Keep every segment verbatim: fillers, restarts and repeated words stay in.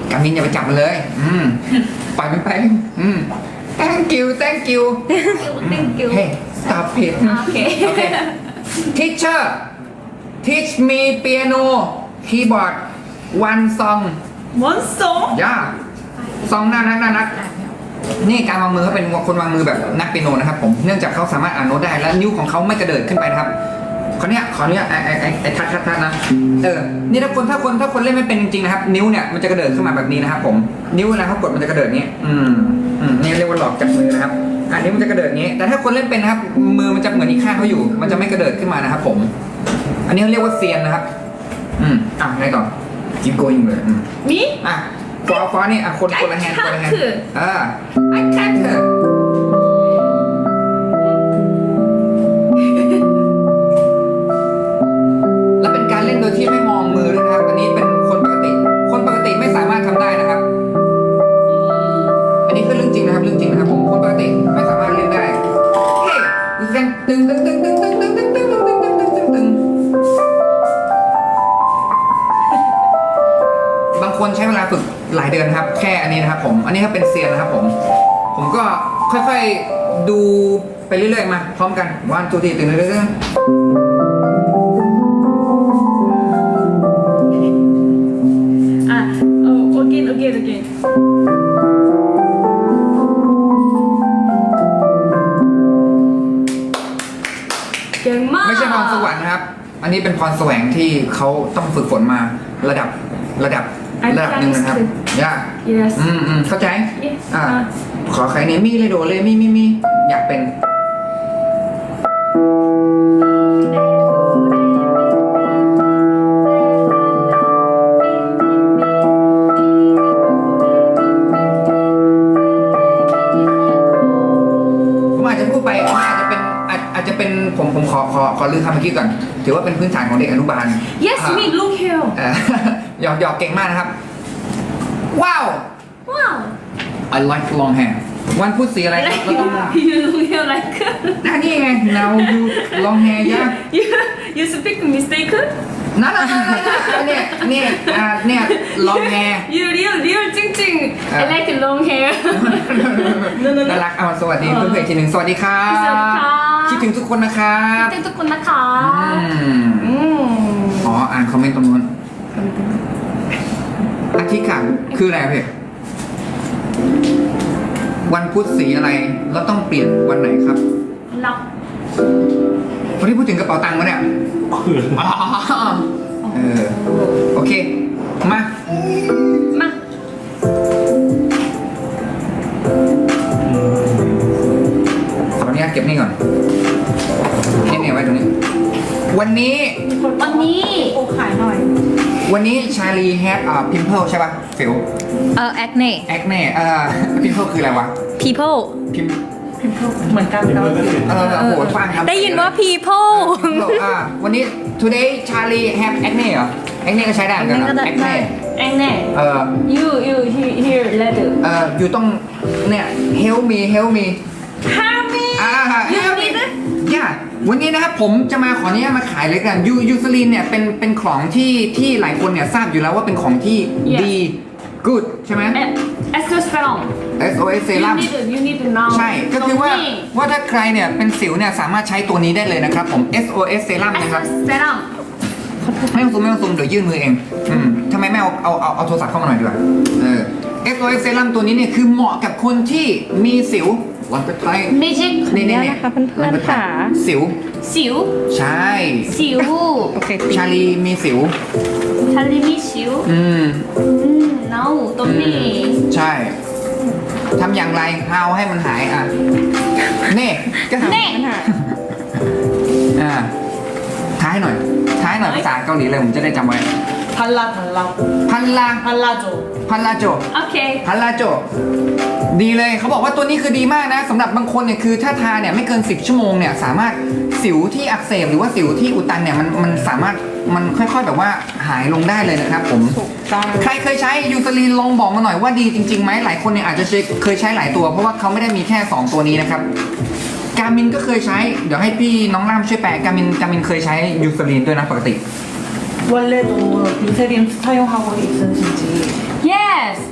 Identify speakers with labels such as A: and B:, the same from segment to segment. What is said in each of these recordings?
A: กามินอย่าไปจับมันเลย อืมปล่อยมันไปอืม thank you thank you
B: thank you
A: hey stop it
B: โอเค
A: โอเค teacher teach me piano keyboard one song
B: one song
A: ย่าซองน่ารักน่ารักนี่การวางมือเขาเป็นคนวางมือแบบนักเปียโนนะครับผมเนื่องจากเขาสามารถอ่านโน้ตได้และนิ้วของเขาไม่กระเดิดขึ้นไปนะครับขอเนี้ยขอเนี้ยไอไอไอไอทัดทัดทัดนะเออนี่ถ้าคนถ้าคนถ้าคนเล่นไม่เป็นจริงๆนะครับนิ้วเนี่ยมันจะกระเดิดขึ้นมาแบบนี้นะครับผมนิ้วเวลาเขากดมันจะกระเดิดนี้อืมอืมนี่เรียกว่าหลอกจับมือนะครับอันนี้มันจะกระเดิดนี้แต่ถ้าคนเล่นเป็นนะครับมือมันจะเหมือนอีกข้างเขาอยู่มันจะไม่กระเดิดขึ้นมานะครับผมอันนี้เขาเรียกว่าเซียนนะครับอืมอ่ะไงต่อ keep going เลยอืม
B: me
A: อ่ะฟอฟอนี่อ่ะคนคนละแฮนด์คนละแฮนด์อ่า I can't และเป็นการเล่นโดยที่ไม่มองมือด้วยนะครับอันนี้เป็นคนปกติคนปกติไม่สามารถทำได้นะครับอันนี้คือเรื่องจริงนะครับเรื่องจริงนะครับผมคนปกติไม่สามารถเล่นได้เฮ้ยตึงตึงตึงตึงตึงตึงตึงตึงตึงตึงตึงตึงตึงตึงตึงบางคนใช้เวลาฝึกหลายเดือนครับแค่อันนี้นะครับผมอันนี้ถ้าเป็นเซียนนะครับผมผมก็ค่อยๆดูไปเรื่อยๆมาพร้อมกันวันตัวทีตึงตึงตึง
B: อ่ะโอ้ again again again เก่งมาก
A: ไม่ใช่พรสวรรค์นะครับ อันนี้เป็นพรแสวงที่เขาต้องฝึกฝนมาระดับระดับระดับหนึ่งนะครับยาก
B: yes
A: อืมอืมเข้าใจ
B: yes
A: อ่า
B: อ่ะ
A: ขอใครเนี่ยมีเลยโดเลยมีมีมีอยากเป็นผมอาจจะพูดไปอาจจะเป็นอาจอาจจะเป็นผมผมขอขอขอลือคำเมื่อกี้ก่อนถือว่าเป็นพื้นฐานของเด็กอนุบาล
B: yes
A: อ่า
B: me look here
A: เอ่อ หยอกหยอกเก่งมากนะครับ ว้าว
B: ว้าว
A: I like long hair วันพูดสีอะไรครับ
B: like
A: เราต้อง
B: you look here like
A: อ่ะนี่ไง now you long hair ยาก
B: you you speak mistake
A: นั่นนั่นนั่นเนี่ยเนี่ยอ่าเนี่ย long hair
B: you real real จริงๆ I like long hair
A: น่ารักเอาสวัสดีเพื่อนๆอีกทีหนึ่งสวัสดีครับ
B: สวัสดีค่ะ
A: คิดถึงทุกคนนะครับ
B: เต้นทุกคนนะคะ
A: อืม
B: อืม
A: อ๋ออ่านคอมเมนต์ตรงนู้นอาทิตย์ค่ะคืออะไรพี่วันพุธสีอะไรแล้วต้องเปลี่ยนวันไหนครับ
B: รับ
A: วันที่พูดถึงกระเป๋าตังค์วะเนี่ยอ๋อเออโอเคมา
B: มา
A: ขออนุญาตเก็บนี่ก่อนนี่เนี่ยไว้ตรงนี้ วันนี้
B: วันนี้โอ้ขายหน่อย
A: วันนี้ชาลีแฮดอ่าพิมเพิลใช่ป่ะฟิว
C: เออ acne
A: แอคเน่เอ่อพิมเพิลคืออะไรวะ
C: people
A: พิม
B: เหมือนกันเรา
A: เออโอ้โหฟังครับ
C: ได้ยินว่า people
A: อ่าวันนี้ today Charlie have acne เหรอ acne ก็ใช้ได้เหมือนกันเหรอ acne
B: แองแน่
A: เออ
B: you you here here letter
A: เอออยู่ต้องเนี่ย help me help me
B: help me
A: อ่า
B: you
A: help me
B: need it
A: ย่าวันนี้นะครับผมจะมาขออนุญาตมาขายเลยกันยูยูซลินเนี่ยเป็นเป็นของที่ที่หลายคนเนี่ยทราบอยู่แล้วว่าเป็นของที่
B: Yes
A: ดี good ใช่ไหม
B: เอสโตสเตอรอน
A: เอส โอ เอส เซรั่ม
B: you need it you need it now
A: ใช่ ก็คือว่า
B: ตรงนี้
A: ว่าถ้าใครเนี่ยเป็นสิวเนี่ยสามารถใช้ตัวนี้ได้เลยนะครับผม เอส โอ เอส เซรั่ม
B: เอส
A: นะครับ
B: โตสเตอรอน
A: ไม่ต้องซูมไม่ต้องซูมเดี๋ยวยื่นมือเอง อืมทำไมไม่เอาเอาเอาเอาโทรศัพท์เข้ามาหน่อยดีกว่า เออ เอส โอ เอส เซรั่มตัวนี้เนี่ยคือเหมาะกับคนที่มีสิวลองไปไทย
B: มิจิก
A: นี่นี่
C: ขออนุญาตนะคะเพื่อนๆค่ะ
A: สิว
B: สิว
A: ใช่
B: สิว
C: โอเค
A: ชาลีมีสิว
B: ชาลีมีสิว
A: อืม
B: อืม no ตรงนี้
A: ใช่ ทำอย่างไรเอาให้มันหายอ่ะ นี่ก็ทำ
B: เน่
C: ปัญหา
A: อ่าท้ายหน่อย ท้ายหน่อยภาษาเกาหลีเลยผมจะได้จำไว้
D: 달라 달라
A: พันลา
D: 달라줘
A: พันลาโจ
B: โอเค
A: พันลาโจ ดีเลยเขาบอกว่าตัวนี้คือดีมากนะสำหรับบางคนเนี่ยคือถ้าทาเนี่ยไม่เกินสิบชั่วโมงเนี่ยสามารถสิวที่อักเสบหรือว่าสิวที่อุดตันเนี่ยมันมันสามารถมันค่อยๆแบบว่าหายลงได้เลยนะครับผม
C: ถูกต้อง
A: ใครเคยใช้ยูซาลีนลองบอกมาหน่อยว่าดีจริงๆไหมหลายคนเนี่ยอาจจะเคยใช้หลายตัวเพราะว่าเขาไม่ได้มีแค่สองตัวนี้นะครับการมินก็เคยใช้เดี๋ยวให้พี่น้องล่ามช่วยแปลการมินการมินเคยใช้ยูซาลีนด้วยนะปกติ
D: 원래도 유세린 사용하고 있으신지
B: yes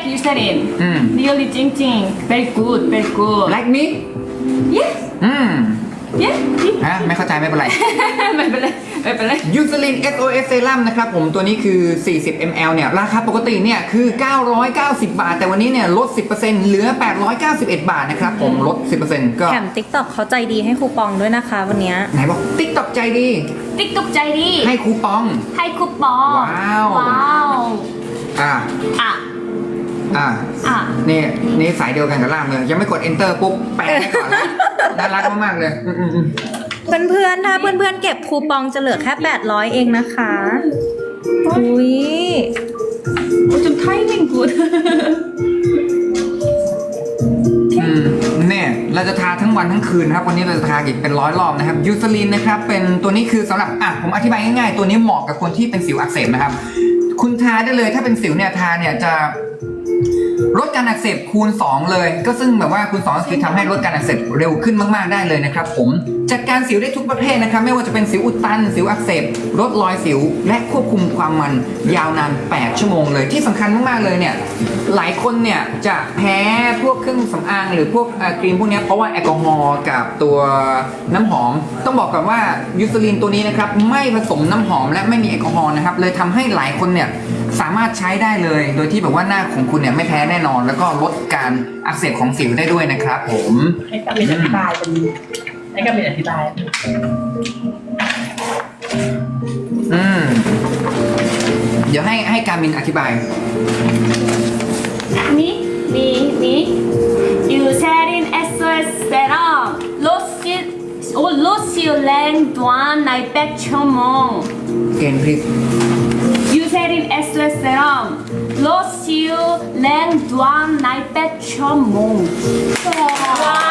B: Eucerin.
A: Mm.
B: Really Jing Jing. Very good, very good.
A: like me
B: Yes.
A: อืม
B: Yes.
A: ฮะไม่เข้าใจไม่เป็นไร
B: ไม่เป็นไรไม่เป็นไร
A: ยูซ ลิน เอส โอ เอส เซรั่มนะครับผมตัวนี้คือ สี่สิบมิลลิลิตร เนี่ย ราคาปกติเนี่ยคือ เก้าร้อยเก้าสิบ บาท แต่วันนี้เนี่ยลด สิบเปอร์เซ็นต์ เหลือ แปดร้อยเก้าสิบเอ็ด บาทนะครับผมลด สิบเปอร์เซ็นต์ ก็
C: แถม TikTok เขาใจดีให้คูปองด้วยนะคะวันเนี้ย
A: ไหนบอก TikTok ใจดี
B: ติ๊กตุกใจดี
A: ให้คูปอง
B: ให้คูปอง
A: ว้าว
B: ว้าว
A: อ่า
B: อ่ะ
A: อ่า
B: อ่ะ
A: นี่นี่สายเดียวกันกับล่ามเลยยังไม่กด enter ปุ๊บแปลให้ก่อนแล้วน่ารักมากๆเลยอืมอืมอืม
C: เพื่อนๆ ถ้าเพื่อนๆ เก็บคูปองจะเหลือแค่ แปดร้อย เองนะคะอุ้ย
B: โอ้จนไทมิ่งกูด
A: อืมเนี่ยเราจะทาทั้งวันทั้งคืนนะครับวันนี้เราจะทาอีกเป็นร้อยรอบนะครับยูซ ลินนะครับเป็นตัวนี้คือสำหรับอ่ะผมอธิบายง่ายๆตัวนี้เหมาะกับคนที่เป็นสิวอักเสบนะครับคุณทาได้เลยถ้าเป็นสิวเนี่ยทาเนี่ยจะลดการอักเสบคูณสองเลยก็ซึ่งแบบว่าคูณสองก็คือทำให้ลดการอักเสบเร็วขึ้นมากๆได้เลยนะครับผมจัดการสิวได้ทุกประเภทนะครับไม่ว่าจะเป็นสิวอุดตันสิวอักเสบลดรอยสิวและควบคุมความมันยาวนานแปดชั่วโมงเลยที่สำคัญมากๆเลยเนี่ยหลายคนเนี่ยจะแพ้พวกเครื่องสำอางหรือพวกเอ่อครีมพวกเนี้ยเพราะว่าแอลกอฮอล์กับตัวน้ำหอมต้องบอกก่อนว่ายูซ ลินตัวนี้นะครับไม่ผสมน้ำหอมและไม่มีแอลกอฮอล์นะครับเลยทำให้หลายคนเนี่ยสามารถใช้ได้เลยโดยที่แบบว่าหน้าของคุณเนี่ยไม่แพ้แน่นอน แล้วก็ลดการอักเสบของสิวได้ด้วยนะครับผม
D: ให้กามินอธิบายเป็นให้กามินอธิบาย
A: อืมเดี๋ยวให้ให้การมินอธิบาย
B: นี่นี่นี่ยูเซริน เอส โอ เอส เซรั่มลดสิโอ้ลดสิวแรงดวนในแปดชั่วโมง
A: เกณฑ์พริก
B: ยูเซริน เอส โอ เอส เซรั่มลดสิวแรงดวนในแปดชั่วโมงว้าว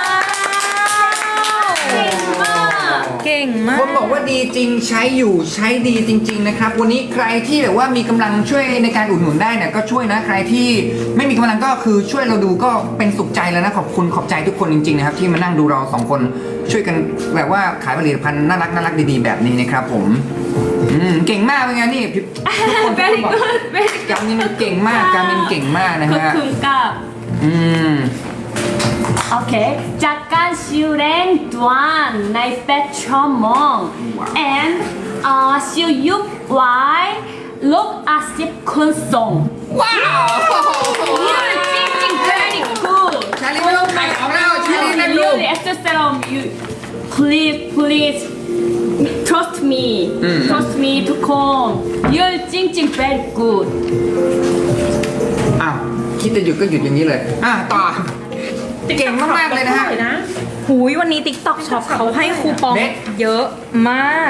B: เก่งมาก
C: เก่งมาก
A: คนบอกว่าดีจริงใช้อยู่ใช้ดีจริง ๆนะครับ วันนี้ใครที่แบบว่ามีกำลังช่วยในการอุดหนุนได้เนี่ยก็ช่วยนะใครที่ไม่มีกำลังก็คือช่วยเราดูก็เป็นสุขใจแล้วนะขอบคุณขอบใจทุกคนจริงๆนะครับที่มานั่งดูเราสองคนช่วยกันแบบว่าขายผลิตภัณฑ์น่ารักน่ารักดีๆแบบนี้นะครับผมอืมเก่งมากเป็นไงนี่พี่ทุกคนทุกคน
B: very
A: บอก
B: good very
A: กามินเก่งมากกามินเก่งมากนะ
B: ขอบ
A: ฮะ
B: คุณครับ
A: อืม
B: โอเคจากการสิวแรงดวนในแปดชั่วโมง and อ่าสิวยุบไว้ลดอาสิบคนส่ง
A: ว้าว
B: You're thinking very good.
A: ชาลีไม่ต้องขายของแล้วชาลีนั่งดู
B: Really, testosterone. You please, please trust me.
A: อืม
B: Trust me ทุกคน You're thinking very good.
A: อ้าวคิดจะหยุดก็หยุดอย่างนี้เลยอ่ะต่อเก่งมากๆเลยนะฮะ
C: หูยวันนี้ TikTok Shop เขาให้คูปอง
A: เด็ด
C: เยอะมาก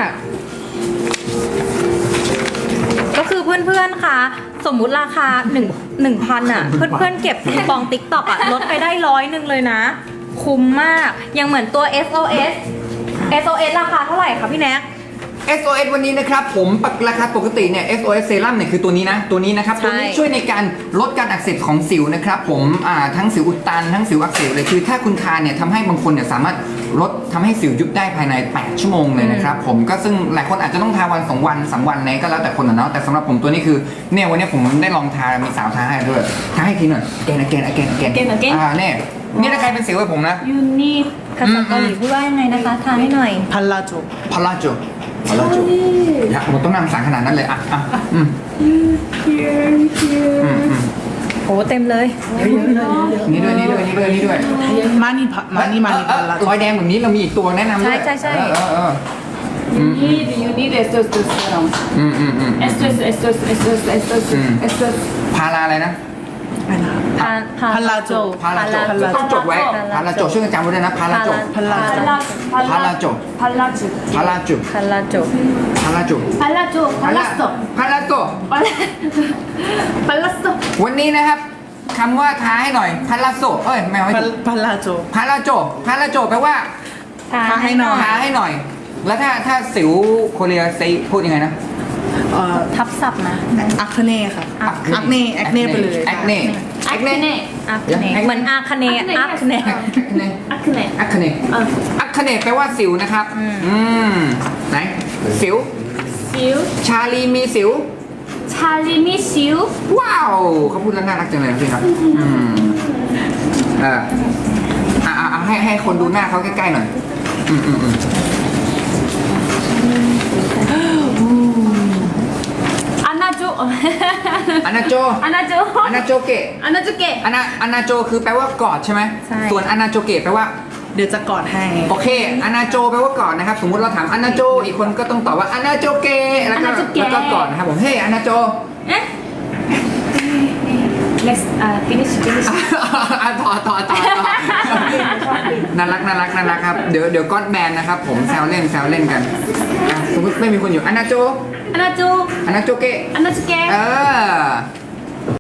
C: ก็คือเพื่อนๆ คะ สมมุติราคา1 1,000อ่ะ เพื่อนๆ เก็บคูปอง TikTok อ่ะ ลดไปได้ร้อยหนึ่งเลยนะ คุ้มมาก ยังเหมือนตัว เอส โอ เอส เอส โอ เอส ราคาเท่าไหร่คะพี่แน็ก
A: เอส โอ เอส วันนี้นะครับผมปกราคาปกติเนี่ย เอส โอ เอส เซรั่มเนี่ยคือตัวนี้นะตัวนี้นะครับ
C: ใช่
A: ตัวนี้ช่วยในการลดการอักเสบของสิวนะครับผมอ่าทั้งสิวอุดตันทั้งสิวอักเสบเลยคือถ้าคุณทานเนี่ยทำให้บางคนเนี่ยสามารถลดทำให้สิวยุบได้ภายในแปดชั่วโมงเลยนะครับผมก็ซึ่งหลายคนอาจจะต้องทาวันสองวันสามวันไหนก็แล้วแต่คนนะเนาะแต่สำหรับผมตัวนี้คือเนี่ยวันนี้ผมได้ลองทามีสาวทาให้ด้วยทาให้ทีหน่อยแกนแกนแกนแกน
B: Again, again
A: อ่าเนี่ยนี่ถ้าใครเป็นสิวให้ผมนะ
B: You need
C: ภาษาเกาหลีพูดว่ายังไงนะคะทานให้หน่อย
D: พันลาโจ
A: พาราโจพาราโจอยากผมต้องนั่งสั่งขนาดนั้นเลยอ่ะอ่ะอืม
B: here, here.
A: อืมอืม
C: โอ้เต็มเลย
A: นี่ด้วยนี่ด้วยนี่ด้วยนี่ด้วย
D: มานี่พะมานี่มานี่
A: เอ
D: พั
A: อน
D: ลาโจ
A: รอยแดงแบบนี้เรามีอีกตัวแนะนำด้วย
C: ใช่ใช่ใช่
A: เออเออ
B: You need, you need testosterone.
A: อืมอืมอืม
B: Estos, estos, estos, estos,
A: Mm.
B: estos.
A: พาราอะไรนะ
C: พาพา
D: พันลาโจ
A: พาราโจ
D: พาราโจ
A: ต้องจดไว้พาราโจช่วยกันจำไว้ด้วยนะพาราโจ
D: พันลาโจ
B: Palazzo.
A: Palazzo.
B: Palazzo.
A: พาราโจ
C: พาราโจ
A: พาราโจ
B: Palazzo. Palazzo.
A: พาราโจ
B: Palazzo.
A: วันนี้นะครับคำว่าท้าให้หน่อยพาราโจเอ้ยไม่เอาให้
D: พัน
A: ถูก
D: พันลาโจ
A: พาราโจพาราโจแปลว่า
C: ทาให้หน่อย
A: ท้าให้หน่อย แล้วถ้าถ้าสิวโคเรียเซพูดยังไงนะ
D: เอ่อ
C: ทับศัพท์นะ
D: อัคเน่ค่ะอัคเน่อัคเน่ไปเลย
A: แอคเน่
B: Acne.
C: อาคเนเหมือนอาคเนอาคเน
B: Acne.
A: อัคเน
B: Uh,
A: อัคเนแปลว่าสิวนะครับ อืมไหนสิว
B: Siu.
A: ชาลีมีสิว
B: Charlie miss you
A: ว้าวเขาพูดแล้วน่ารักจังเลยนะพี่ครับอืมเอออ่ะอ่ะอ่ะให้ให้คนดูหน้าเขาใกล้ๆหน่อยอืมอืมอืม
B: 안아줘
A: อานาโจ
B: 안아줘
A: อานาโจเกะ
B: 안아줄게
A: อานาอานาโจคือแปลว่ากอดใช่ไหม
C: ใช่
A: ส่วนอานาโจเกะแปลว่า
D: เดี๋ยวจะกอดให้
A: โอเคอานาโจแปลว่ากอดนะครับ สมมุติเราถามอานาโจ อีกคนก็ต้องตอบว่าอานาโจเกะแล้วก็
B: อานาโจเกะ
A: แล้วก็กอดนะครับผม เฮ้ยอานาโจ
B: 에? Next uh, finish finish
A: อ่ะต่อต่อต่อต่อน่ารักน่ารักน่ารักครับ เดี๋ยวเดี๋ยวก้อนแบนนะครับ ผมแซวเล่นแซวเล่นกันอ่ะสมมติไม่มีคนอยู่อานาโจ
B: 안아줘
A: อานาโจเกะ
B: 안아줄게
A: เออ